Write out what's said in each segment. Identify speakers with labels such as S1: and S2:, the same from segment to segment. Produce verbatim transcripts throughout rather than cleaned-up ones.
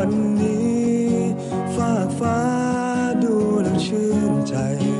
S1: วันนี้ฟากฟ้าดูแล้วชื่นใจ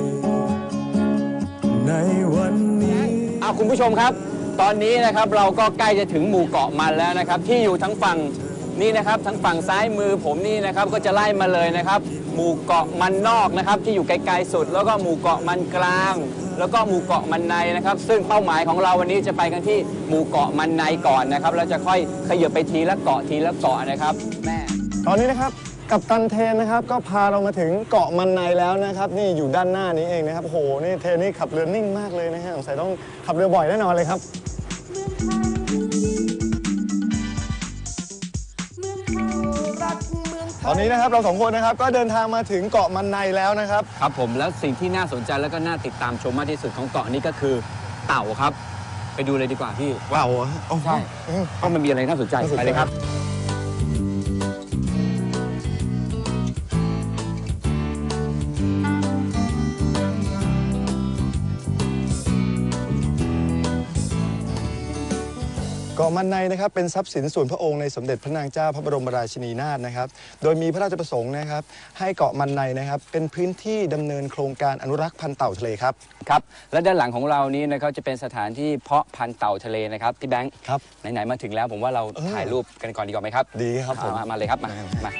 S1: ในวันนี้
S2: เอาคุณผู้ชมครับตอนนี้นะครับเราก็ใกล้จะถึงหมู่เกาะมันแล้วนะครับที่อยู่ทั้งฝั่งนี่นะครับทั้งฝั่งซ้ายมือผมนี่นะครับก็จะไล่มาเลยนะครับหมู่เกาะมันนอกนะครับที่อยู่ไกลๆสุดแล้วก็หมู่เกาะมันกลางแล้วก็หมู่เกาะมันในนะครับซึ่งเป้าหมายของเราวันนี้จะไปกันที่หมู่เกาะมันในก่อนนะครับแล้วจะค่อยขยับไปทีละเกาะทีละเกาะนะครับแม่
S3: ตอนนี้นะครับกัปตันเทนนะครับก็พาเรามาถึงเกาะมันในแล้วนะครับนี่อยู่ด้านหน้านี้เองนะครับโอ้โหนี่เทนนี่ขับเรือนิ่งมากเลยนะฮะสงสัยต้องขับเรือบ่อยแน่นอนเลยครับตอนนี้นะครับเราสองคนนะครับก็เดินทางมาถึงเกาะมันในแล้วนะครับ
S2: ครับผมแล้วสิ่งที่น่าสนใจแล้วก็น่าติดตามชมมากที่สุดของเกาะนี้ก็คือเต่าครับไปดูเลยดีกว่าพี่
S3: เต่า
S2: ใช่เพราะมันมีอะไรน่าสนใจไปเลยครับ
S3: เกาะมันในนะครับเป็นทรัพย์สินส่วนพระองค์ในสมเด็จพระนางเจ้าพระบรมราชินีนาถนะครับโดยมีพระราชประสงค์นะครับให้เกาะมันในนะครับเป็นพื้นที่ดำเนินโครงการอนุรักษ์พันธุ์เต่าทะเลครับ
S2: ครับและด้านหลังของเรานี้นะครับจะเป็นสถานที่เพาะพันธุ์เต่าทะเลนะครับพี่แบงค์
S3: ครับ
S2: ไหนๆมาถึงแล้วผมว่าเราถ่ายรูปกันก่อนดีกว่าไหมครับ
S3: ดีครับผม
S2: มาเลยครับมามา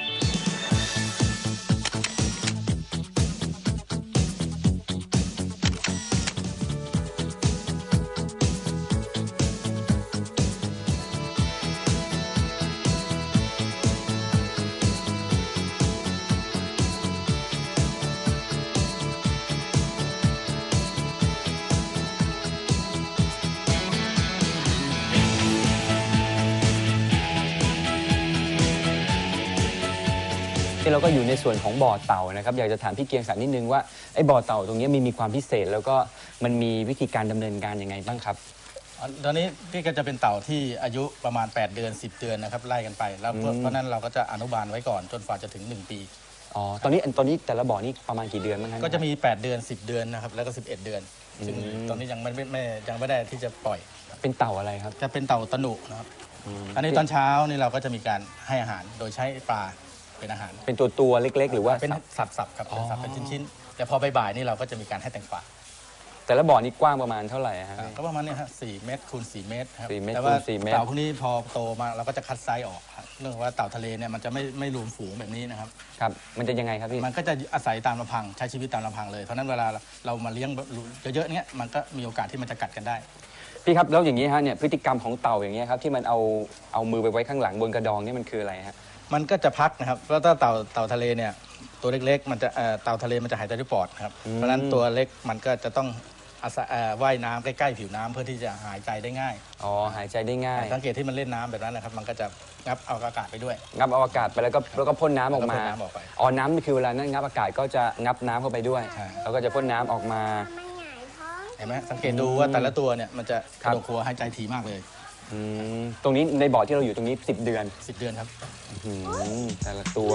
S2: เราก็อยู่ในส่วนของบ่อเต่านะครับอยากจะถามพี่เกียงศักดิ์นิดนึงว่าไอ้บ่อเต่าตรงนี้มีมีความพิเศษแล้วก็มันมีวิธีการดำเนินการยังไงบ้างครับ
S4: ตอนนี้พี่ก็จะเป็นเต่าที่อายุประมาณแปดเดือนสิบเดือนนะครับไล่กันไปแล้วเพราะนั้นเราก็จะอนุบาลไว้ก่อนจนกว่าจะถึงหนึ่งปี
S2: อ๋อตอนนี้ตอนนี้แต่ละบ่อนี่ประมาณกี่เดือนบ้างครับ
S4: ก็จะมีแปดเดือนสิบเดือนนะครับแล้วก็สิบเอ็ดเดือนซึ่งตอนนี้ยังไม่ไม่ยังไม่ได้ที่จะปล่อย
S2: เป็นเต่าอะไรครับ
S4: จะเป็นเต่าตะหนุนะครับอันนี้ตอนเช้านี่เราก็จะมีการให้อาหารโดยใช้ปลาเป็นอาหาร
S2: เป็นตัวตัวเล็กๆหรือว่า
S4: เป็นสับๆครับเป็นสับเป็นชิ้นๆแต่พอบ่ายๆนี่เราก็จะมีการให้แตงกวา
S2: แต่ละบ่อนี่กว้างประมาณเท่าไหร่ฮะ
S4: ก็ประมาณนี้ฮะสี่เมตรคูณสี่เมตรครับ
S2: แต่
S4: ว่า
S2: เต่
S4: าพวกนี้พอโตมาเราก็จะคัดไซส์ออกเรื่องว่าเต่าทะเลเนี่ยมันจะไม่ไม่รวมฝูงแบบนี้นะครับ
S2: ครับมันจะยังไงครับพี่
S4: มันก็จะอาศัยตามลำพังใช้ชีวิตตามลำพังเลยเพราะนั้นเวลาเรามาเลี้ยงเยอะๆเนี้ยมันก็มีโอกาสที่มันจะกัดกันได้
S2: พี่ครับแล้วอย่างนี้ฮะเนี่ยพฤติกรรมของเต่าอย่างนี้ครับที่มันเอาเอามือไปไว้ข้างหลังบนกระดองนี่มันคืออะไรฮะ
S4: มันก็จะพักนะครับเพราะถ้าเต่าเต่าทะเลเนี่ยตัวเล็กๆมันจะเต่าทะเลมันจะหายใจด้วยปอดครับเพราะฉะนั้นตัวเล็กมันก็จะต้องอาศัยว่ายน้ำใกล้ๆผิวน้ำเพื่อที่จะหายใจได้ง่าย
S2: อ๋อหายใจได้ง่าย
S4: สังเกตที่มันเล่นน้ำแบบนั้นนะครับมันก็จะงับเอาอากาศไปด้วย
S2: งับเอาอากาศไปแล้วก็แล้วก็พ่นน้ำออกมาอ๋อน้ำนี่คือเวลานั้นงับอากาศก็จะงับน้ำเข้าไปด้วยแล้วก็จะพ่นน้ำออกมา
S4: เห็นไหมสังเกตดูว่าแต่ละตัวเนี่ยมันจะกระโดดครัวหายใจถี่มากเลย
S2: ตรงนี้ในบ่อที่เราอยู่ตรงนี้สิบเดือน
S4: สิบเดือนครับ
S2: แต่ละตัว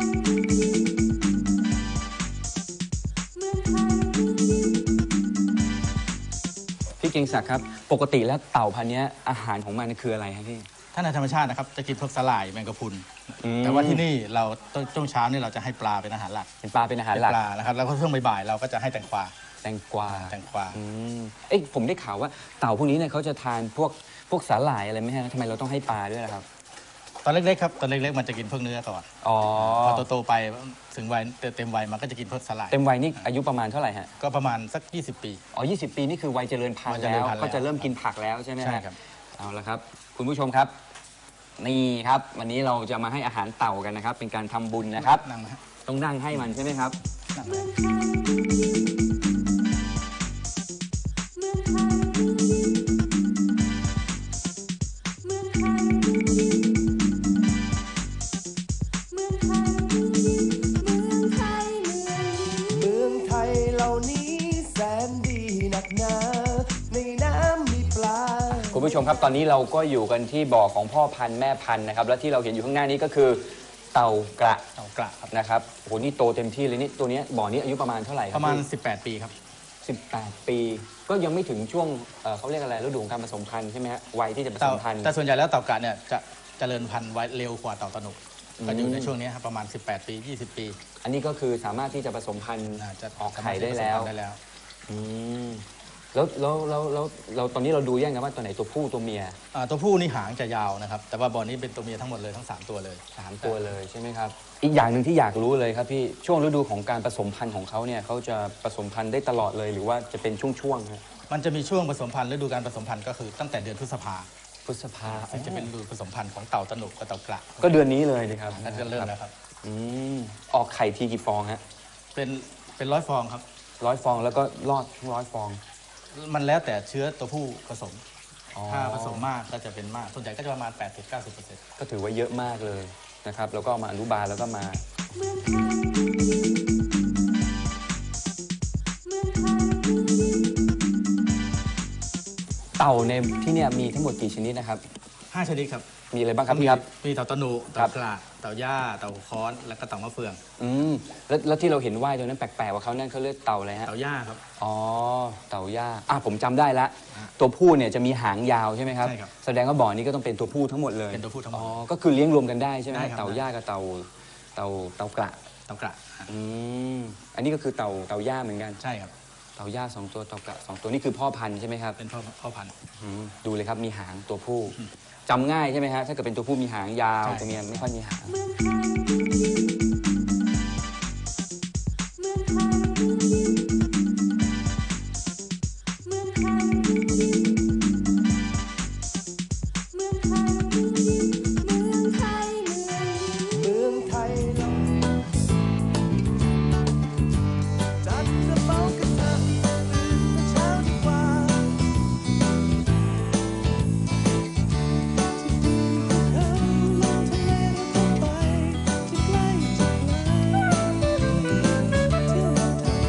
S2: พี่เกียงศักดิ์ครับปกติแล้วเต่าพันธุ์นี้อาหารของมันคืออะไรครับพี่
S4: ถ้าในธรรมชาตินะครับจะกินพวกสลายแมงกะพรุนแต่ว่าที่นี่เราต้นเช้านี่เราจะให้ปลาเป็นอาหารหลัก
S2: เป็นปลาเป็นอาหารหลัก
S4: ปลานะครับแล้วก็ช่วงบ่ายๆเราก็จะให้แตงกวา
S2: แตงกวา
S4: แตงกวา
S2: เอ๊ะผมได้ข่าวว่าเต่าพวกนี้เนี่ยเขาจะทานพวกพวกสาหร่ายอะไรไหมฮะทำไมเราต้องให้ปลาด้วยล่ะครับ
S4: ตอนเล็กๆครับตอนเล็กๆมันจะกินพวกเนื้อก่อน
S2: อ๋อ
S4: พอโตๆไปถึงวัยเต็มวัยมันก็จะกินพวกสาหร่าย
S2: เต็มวัยนี่อายุประมาณเท่าไหร่ฮะ
S4: ก็ประมาณสักยี่สิบปี
S2: อ๋อยี่สิบปีนี่คือวัยเจริญพันธุ์แล้วก็จะเริ่มกินผักแล้วใช่ไหม
S4: ใช่ครับ
S2: เอาละครับคุณผู้ชมครับนี่ครับวันนี้เราจะมาให้อาหารเต่ากันนะครับเป็นการทำบุญนะครับต้องนั่งให้มันใช่ไหมครับคุณผู้ชมครับตอนนี้เราก็อยู่กันที่บ่อของพ่อพันธุ์แม่พันธุ์นะครับและที่เราเห็นอยู่ข้างหน้านี้ก็คือเต่ากระ
S4: เต่ากระครับ
S2: นะครับโอ้โหนี่โตเต็มที่เลยนี่ตัวนี้บ่อนี้อายุประมาณเท่าไหร่ครับ
S4: ประมาณสิบแปดปีครับ
S2: สิบแปดปีก็ยังไม่ถึงช่วงเขาเรียกอะไรฤดูการผสมพันธุ์ใช่ไหมฮะวัยที่จะผสมพันธุ์
S4: แต่ส่วนใหญ่แล้วเต่ากระเนี่ยจะเจริญพันธุ์ไว้เร็วกว่าเต่าตะหนุก็อยู่ในช่วงนี้ครับประมาณสิบแปดปียี่สิบปี
S2: อันนี้ก็คือสามารถที่จะผสมพันธุ์
S4: อ่าจะ
S2: ออกไข่ได้แล้ว
S4: ได้แล้ว
S2: อืมแล้วแล้วแล้วแล้วเราตอนนี้เราดูยังไงว่าตัวไหนตัวผู้ตัวเมีย
S4: อ่าตัวผู้นี่หางจะยาวนะครับแต่ว่าบ่อนี้เป็นตัวเมียทั้งหมดเลยทั้งสามตัวเลย
S2: สามตัวเลยใช่ไหมครับอีกอย่างหนึ่งที่อยากรู้เลยครับพี่ช่วงฤดูของการผสมพันธุ์ของเขาเนี่ยเขาจะผสมพันธุ์ได้ตลอดเลยหรือว่าจะเป็นช่วงๆครับ
S4: มันจะมีช่วงผสมพันธุ์ฤดูการผสมพันธุ์ก็คือตั้งแต่เดือนพฤษภา
S2: พฤษภา
S4: ซึ่งจะเป็นฤดูผสมพันธุ์ของเต่าตะหนุกับเต่ากระ
S2: ก็เดือนนี้เลยนะครับ
S4: นั่นจะเริ่มแล้วครับ
S2: อืมออกไข่ทีกี่ฟองฮะ
S4: เป็นเป็นร้อยฟองครับ
S2: ร้อยฟองแล้วก็รอดทั้งร้อยฟอง
S4: มันแล้วแต่เชื้อตัวผู้ผสม
S2: อ๋อ
S4: ถ้าผสมมากก็จะเป็นมากส่วนใหญ่ก็จะประมาณ แปดสิบถึงเก้าสิบเปอร์เซ็นต์
S2: ก็ถือว่าเยอะมากเลยนะครับแล้วก็เอามาอนุบาลแล้วก็มาเต่าในที่เนี่ยมีทั้งหมดกี่ชนิดนะครับ
S4: ห้าชนิดครับ
S2: มีอะไรบ้างครับพี่ครับ
S4: มีเต่าตะหนุ
S2: ครั
S4: เต่า
S2: บ
S4: กระเต่าย่าเต่าค้อนแล้วก็เต่ามะเฟือง
S2: อืมแล้วแล้วที่เราเห็นว่ายตัวนั้นแปลกๆว่าเขานั่นเขาเรียกเต่าอะไรฮะ
S4: เต่าย่าครับ
S2: อ๋อเต่าย่าอ่ะผมจำได้ละตัวผู้เนี่ยจะมีหางยาวใช่ไหมครับ
S4: ใช่ครับ
S2: แสดงว่าบ่อนี้ก็ต้องเป็นตัวผู้ทั้งหมดเลย
S4: เป็นตัวผู้ทั้งหมด
S2: อ๋อก็คือเลี้ยงรวมกันได้ใช่ไหม
S4: ได้ครับ
S2: เต่าย่ากับเต่าเต่าเต่ากระ
S4: เต่ากระ
S2: อืมอันนี้ก็คือเต่าเต่าย่าเหมือนกัน
S4: ใช่ครับ
S2: เต่าย่าสองตัวเต่ากระสองตัวนี่คือพ่อพันธุ์ใช่ไหมครับ
S4: เป็นพ่อพ่อพันธุ์
S2: อืมดูเลยครับมีหางตัวผู้จำง่ายใช่ไหมฮะถ้าเกิดเป็นตัวผู้มีหางยาว
S4: ใช่
S2: ตัวเมียไม่ค่อยมีหาง
S1: เมืองไทยเราจัดกระเป๋ากันเถอะตื่นแต่เช้าดีกว่าที่ดินภูเขาลงทะเลเราก็ไปจะใกล้จะไกลเที่ยวเมืองไทย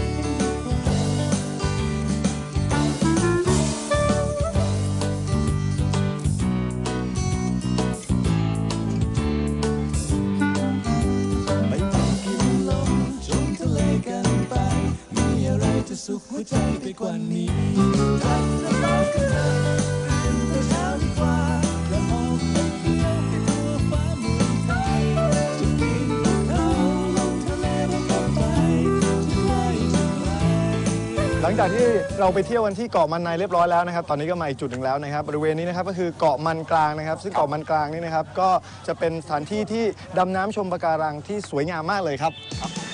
S1: กันดีกว่า ไปทำกินลมชมทะเลกันไป มีอะไรจะสุขหัวใจไปกว่านี้ทักกระเป๋ากันเถอะตื่นแต่เช้าดีกว่าแล้วออกไปเที่ยวให้ทั่วฟ้าเมืองไทยจะปีนภูเขาลงทะเลเราก็ไปจะไกลจะไกล
S3: หลังจากที่เราไปเที่ยวกันที่เกาะมันในเรียบร้อยแล้วนะครับ ตอนนี้ก็มาอีกจุดหนึ่งแล้วนะครับ บริเวณนี้นะครับก็คือเกาะมันกลางนะครับ ซึ่งเกาะมันกลางนี่นะครับ ก็จะเป็นสถานที่ที่ดำน้ำชมปะการังที่สวยงามมากเลยครับ